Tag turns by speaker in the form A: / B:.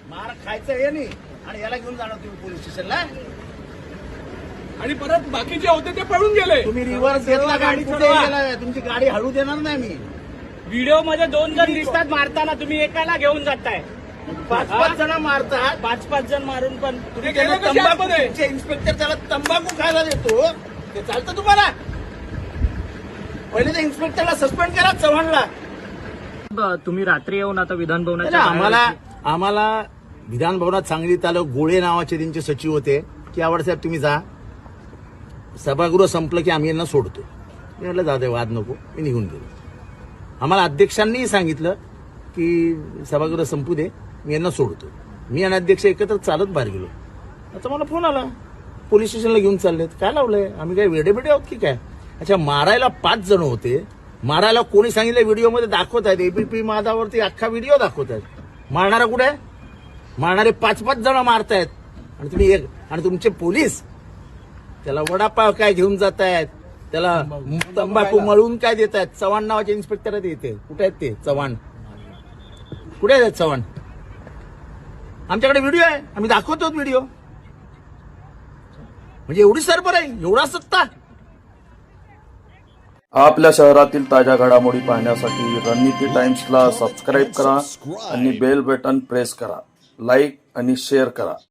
A: मार खायचं हे नाही आणि याला घेऊन जाणार तुम्ही पोलीस स्टेशनला.
B: आणि परत बाकी जे होते ते पळून गेले.
A: तुम्ही रिव्हर्स घेतला, गाडी कुठे गेला? तुमची गाडी हळू देणार नाही मी.
C: व्हिडिओ मध्ये 2 जण दिसतात मारताना, तुम्ही एकाला घेऊन जाताय.
A: 5-5 जण मारतात.
C: 5-5 जण मारून पण
A: तुम्ही त्याला तंबाखू, तुमचे इन्स्पेक्टर त्याला तंबाखू खायला देतो, ते चालतं तुम्हाला? पहिले त्या इन्स्पेक्टरला सस्पेंड करा, चव्हाणला.
C: तुम्ही रात्री येऊन आता विधान भवनाच्या
A: आम्हाला विधान भवनात सांगलीत आलं. गोळे नावाचे त्यांचे सचिव होते की आवडसाहेब तुम्ही जा, सभागृह संपलं की आम्ही यांना सोडतो. मी म्हटलं जाऊ दे, वाद नको. मी निघून गेलो. आम्हाला अध्यक्षांनीही सांगितलं की सभागृह संपू दे, मी यांना सोडतो. मी आणि अध्यक्ष एकत्र चालत बाहेर गेलो. आता मला फोन आला, पोलीस स्टेशनला घेऊन चाललेत. काय लावलंय? आम्ही काय वेडेबिडे आहोत की काय? अच्छा, मारायला 5 जण होते. मारायला कोणी सांगितलं? व्हिडिओमध्ये दाखवत आहेत, एबीपी माझावरती अख्खा व्हिडिओ दाखवत आहेत. मारणारा कुठे आहे? मारणारे 5-5 जण मारतायत आणि तुम्ही एक, आणि तुमचे पोलीस त्याला वडापाव काय घेऊन जात आहेत, त्याला तंबाखू मळून काय देत आहेत. चव्हाण नावाचे इन्स्पेक्टर आहेत इथे. कुठे आहेत ते चव्हाण? कुठे आहेत चव्हाण? आमच्याकडे व्हिडिओ आहे, आम्ही दाखवतो व्हिडिओ. म्हणजे एवढी सरबर आहे, एवढा सत्ता.
D: आपल्या शहरातील ताज्या घडामोडी पाहण्यासाठी रणनीती टाइम्सला सबस्क्राईब करा आणि बेल बटन प्रेस करा. लाईक आणि शेअर करा.